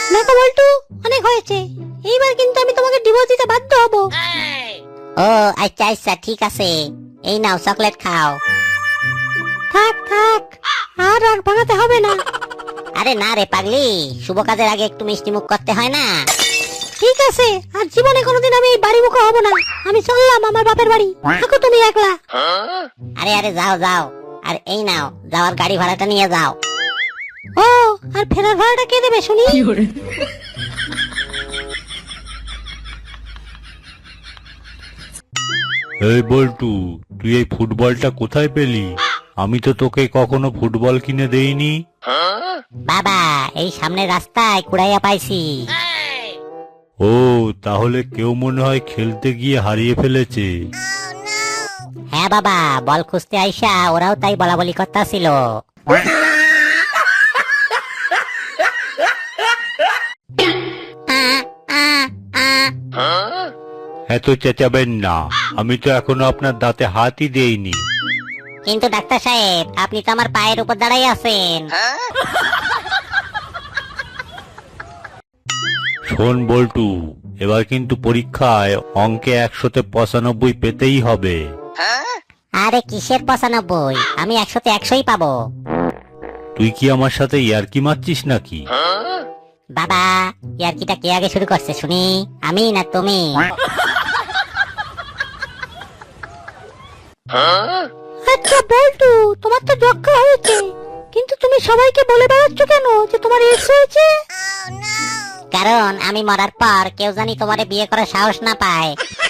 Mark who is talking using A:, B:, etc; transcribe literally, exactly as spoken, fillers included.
A: দেখো বল্টু, অনেক হয়েছে, এইবার কিন্তু আমি তোমাকে ডিভোর্স দিতে বাধ্য হব।
B: ও আচ্ছা আচ্ছা ঠিক আছে, এই নাও চকলেট খাও।
A: থাক থাক, আর রাগ ভাঙাতে হবে না।
B: আরে না রে পাগলি, শুভ কাজের আগে একটু মিষ্টি মুখ করতে হয় না।
A: ঠিক আছে, আর জীবনে কোনোদিন আমি এই বাড়ি মুখো হব না। আমি চললাম আমার বাপের বাড়ি, থাকো তুমি একলা।
B: আরে আরে যাও যাও, আর এই নাও যাওয়ার গাড়ি ভাড়াটা নিয়ে যাও।
A: ও, আর ফেরার ভাড়াটা কে দেবে শুনি?
C: এই বল্টু, তুই এই ফুটবলটা কোথায় পেলি? আমি তো তোকে কখনো ফুটবল কিনে দেইনি।
B: বাবা, এই সামনে রাস্তায় কুড়াইয়া পাইছি।
C: ও, তাহলে কেউ মনে হয় খেলতে গিয়ে হারিয়ে ফেলেছে।
B: হ্যাঁ বাবা, বল খুঁজতে আইসা ওরাও তাই বলা বলি করতেছিল।
C: এত চেঁচাবেন না, আমি তো এখনো আপনার দাঁতে হাতই দেইনি।
B: কিন্তু ডাক্তার সাহেব, আপনি তো আমার পায়ের উপর দাঁড়াই আছেন।
C: শোন বল্টু, এবার কিন্তু পরীক্ষায় অঙ্কে একশোতে পঁচানব্বই পেতেই হবে।
B: আরে কিসের পঁচানব্বই, আমি একশোতে একশোই পাবো।
C: তুই কি আমার সাথে ইয়ার্কি মারছিস নাকি?
B: বাবা, ইয়ার্কিটা কে আগে শুরু করছে শুনি, আমি না তুমি?
A: আচ্ছা বল্টু, তোমার তো যক্ষা হয়েছে, কিন্তু তুমি সবাইকে বলে বেড়াচ্ছ কেন যে তোমার এক্স হয়েছে?
B: কারণ আমি মরার পর কেউ জানি তোমারে বিয়ে করার সাহস না পায়।